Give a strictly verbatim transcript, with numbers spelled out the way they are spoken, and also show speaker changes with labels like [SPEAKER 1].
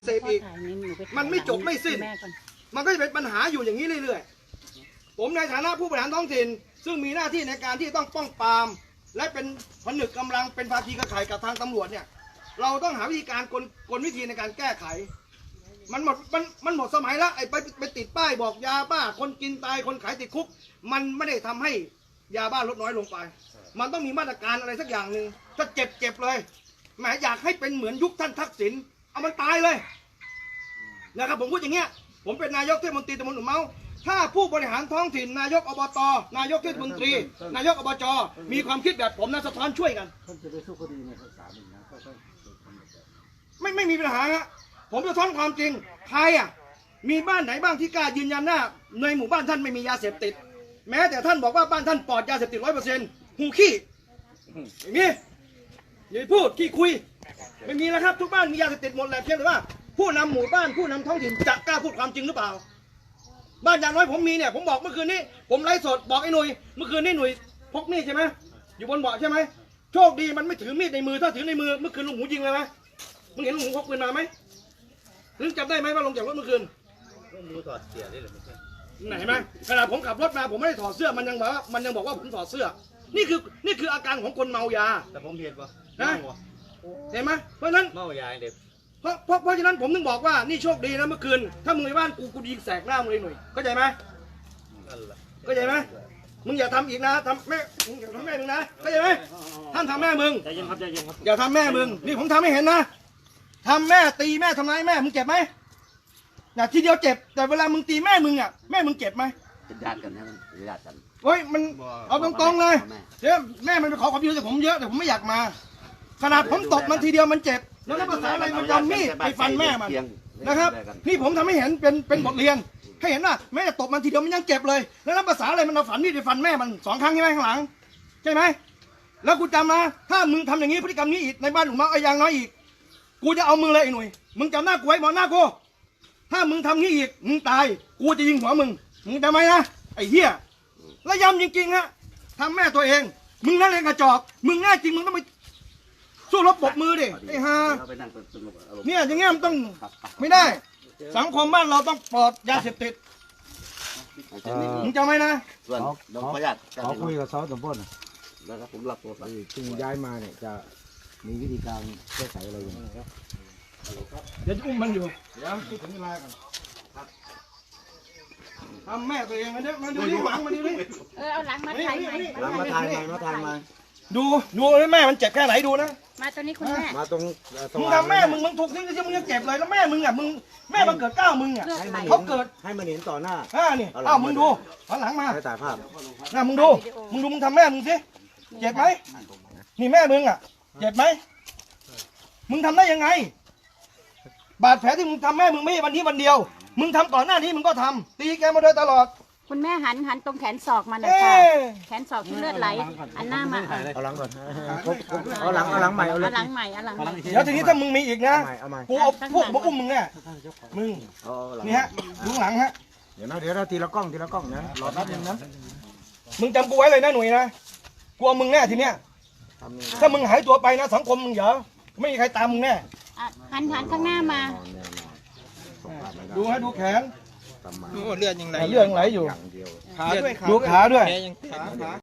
[SPEAKER 1] เสพอีกมันไม่จบไม่สิ้นมันก็จะเป็นปัญหาอยู่อย่างนี้เรื่อยๆผมในฐานะผู้บริหารท้องถิ่นซึ่งมีหน้าที่ในการที่ต้องป้องปรามและเป็นผนึกกำลังเป็นภาคีเครือข่ายกับทางตำรวจเนี่ยเราต้องหาวิธีการกลกลวิธีในการแก้ไขมันหมดมันมันหมดสมัยแล้วไอ้ไปไปติดป้ายบอกยาบ้าคนกินตายคนขายติดคุกมันไม่ได้ทำให้ยาบ้าลดน้อยลงไปมันต้องมีมาตรการอะไรสักอย่างหนึ่งถ้าเจ็บเจ็บเลยแหมอยากให้เป็นเหมือนยุคท่านทักษิณเอามันตายเลยนะครับผมพูดอย่างเงี้ยผมเป็นนายกเทศมนตรีตำบลหนุ่มเมาถ้าผู้บริหารท้องถิ่นนายกอบตนายกเทศมนตรีนายกอบจมีความคิดแบบผมนะสะท้อนช่วยกันไม่ไม่มีปัญหาฮะผมจะท้อนความจริงใครอ่ะมีบ้านไหนบ้างที่กล้ายืนยันหน้าในหมู่บ้านท่านไม่มียาเสพติดแม้แต่ท่านบอกว่าบ้านท่านปลอดยาเสพติดร้อยเปอร์เซ็นต์หูขี้ไม่มีอย่าพูดขี้คุยไม่มีแล้วครับทุกบ้านมียาเสพติดหมดแหละเพียงแต่ว่าผู้นำหมู่บ้านผู้นำท้องถิ่นจะกล้าพูดความจริงหรือเปล่าบ้านอย่างน้อยผมมีเนี่ยผมบอกเมื่อคืนนี้ผมไลฟ์สดบอกไอ้หนุ่ยเมื่อคืนนี้หนุ่ยพกมีดใช่ไหมอยู่บนเบาะใช่ไหมโชคดีมันไม่ถือมีดในมือถ้าถือในมือเมื่อคืนลุงหูยิงเลยไหมมึงเห็นลุงหูพกปืนมาไหมลุงจำได้ไหมว่าลงจากรถเมื่อคืนลุงถอดเสื้อได้หรือไม่ไหนไหมขณะผมขับรถมาผมไม่ได้ถอดเสื้อมันยังบอกว่ามันยังบอกว่าผมถอดเสื้อนี่คือนี่คืออาการของคนเมายา
[SPEAKER 2] แต่ผมเห็นปะ
[SPEAKER 1] นะเห็นไหมเพราะฉะนั้น
[SPEAKER 2] เมายาเด็ก
[SPEAKER 1] เพราะเพราะเพราะฉะนั้นผมถึงบอกว่านี่โชคดีนะเมื่อคืนถ้ามึงในบ้านกูกูยิงแสกหน้ามึงเลยหน่อยเข้าใจไหมเข้าใจไหมมึงอย่าทำอีกนะทำแม่มึงอย่าทำแม่มึงนะเข้าใจไหมท่านทำแม่มึง
[SPEAKER 2] ใจเย็นครับใจเย็นครับ
[SPEAKER 1] อย่าทำแม่มึงนี่ผมทำให้เห็นนะทำแม่ตีแม่ทำร้ายแม่มึงเจ็บไหมน่ะทีเดียวเจ็บแต่เวลามึงตีแม่มึงอ่ะแม่มึงเจ็บไหม
[SPEAKER 3] เป็นญาติกันนะเป็นญาติกัน
[SPEAKER 1] เฮ้ยมันเอาตรงๆเลยเดี๋ยวแม่มันไปขอความช่วยเหลือจากผมเยอะแต่ผมไม่อยากมาขนาดผมตบมันทีเดียวมันเจ็บแล้วภาษาอะไรมันจะมีดไปฟันแม่มันนะครับนี่ผมทำให้เห็นเป็นเป็นบทเรียนให้เห็นว่าแม่ตบมันทีเดียวมันยังเจ็บเลยแล้วภาษาอะไรมันเอาฝันมีดไปฟันแม่มันสองครั้งใช่ไหมข้างหลังใช่ไหมแล้วกูจำนะถ้ามึงทำอย่างนี้พฤติกรรมนี้อีกในบ้านหลุมเมาไอ้ยังน้อยอีกกูจะเอามึงเลยไอ้หนุ่ยมึงจำหน้ากูไว้มองหน้ากูถ้ามึงทำงี้อีกมึงตายกูจะยิงหัวมึงมึงจำไหมนะไอ้เหี้ยแล้วย้ำจริงๆฮะทำแม่ตัวเองมึงนั่นเองกระจอกมึงแน่จริงมึงต้องไปสู้รบปบมือดิไอ้ห่าเนี่ยอย่างเงี้ยมันต้องไม่ได้สังคมบ้านเราต้องปลอดยาเสพติดมึงจำไหมนะ
[SPEAKER 3] ส่วนน้องขอญาติ
[SPEAKER 4] ขอคุยกับซอสตำบล
[SPEAKER 3] แล้วก็ผมรับตัวไป
[SPEAKER 4] ซึ่งย้ายมาเนี่ยจะมีวิธีการแก้ไขอะไรอย่างไรครับ
[SPEAKER 1] เดี๋ยวจะอุ้มมันอยู่เดี๋ยวพูดถึงเวลากันทำแม่ตัวเองมันเดี๋ยวมันดูที่หลังมันดูนี่
[SPEAKER 5] เออเอาหลังมาถ่ายใหม่
[SPEAKER 4] หลังมาทายมามาทายมา
[SPEAKER 1] ดูดูแม่มันเจ็บแค่ไหนดูนะ
[SPEAKER 5] มาตรงนี้คุณแม่
[SPEAKER 4] มาตรง
[SPEAKER 1] มึงทำแม่มึงมึงถูกทิ้งที่มึงยังเจ็บเลยแล้วแม่มึงอ่ะมึงแม่มันเกิดก้าวมึงอ่ะเขาเกิด
[SPEAKER 4] ให้มันเห็นต่อหน้า
[SPEAKER 1] อ่านี่เอ้ามึงดูหันหลังมา
[SPEAKER 4] ให้ถ่ายภาพ
[SPEAKER 1] น่ะมึงดูมึงดูมึงทำแม่มึงสิเจ็บไหมนี่แม่มึงอ่ะเจ็บไหมมึงทำได้ยังไงบาดแผลที่มึงทำแม่มึงไม่วันนี้วันเดียวมึงทำก่อนหน้านี้มึงก็ทำตีแกมาโดยตลอด
[SPEAKER 5] คุณแม่หันหันตรงแขนศอกมาหน่อยค่ะแขนศอกที่เลือดไหลอันหน้ามา
[SPEAKER 4] เอาหลังก่อนเอาหลังเอาหลังใหม่เอา
[SPEAKER 5] หลังใหม่เอาหลังใหม่
[SPEAKER 1] เดี๋ยวทีนี้ถ้ามึงมีอีกนะกูเอาพวกมาอุ้มมึงเนี่ยมึงนี่ฮะดูหลังฮะ
[SPEAKER 4] เดี๋ยวนะเดี๋ยวเราทีละกล้องทีละกล้องนะรอแป๊บนึงนะ
[SPEAKER 1] มึงจำกูไว้เลยนะหนุ่ยนะกลัวมึงแน่ทีเนี้ยถ้ามึงหายตัวไปนะสังคมมึงเหรอไม่มีใครตามมึงแน่
[SPEAKER 5] หันหันข้างหน้ามา
[SPEAKER 1] ดูฮะดูแขน
[SPEAKER 2] เลือดยังไหล
[SPEAKER 1] เลือดยังไหลอยู่ดูขาด้วย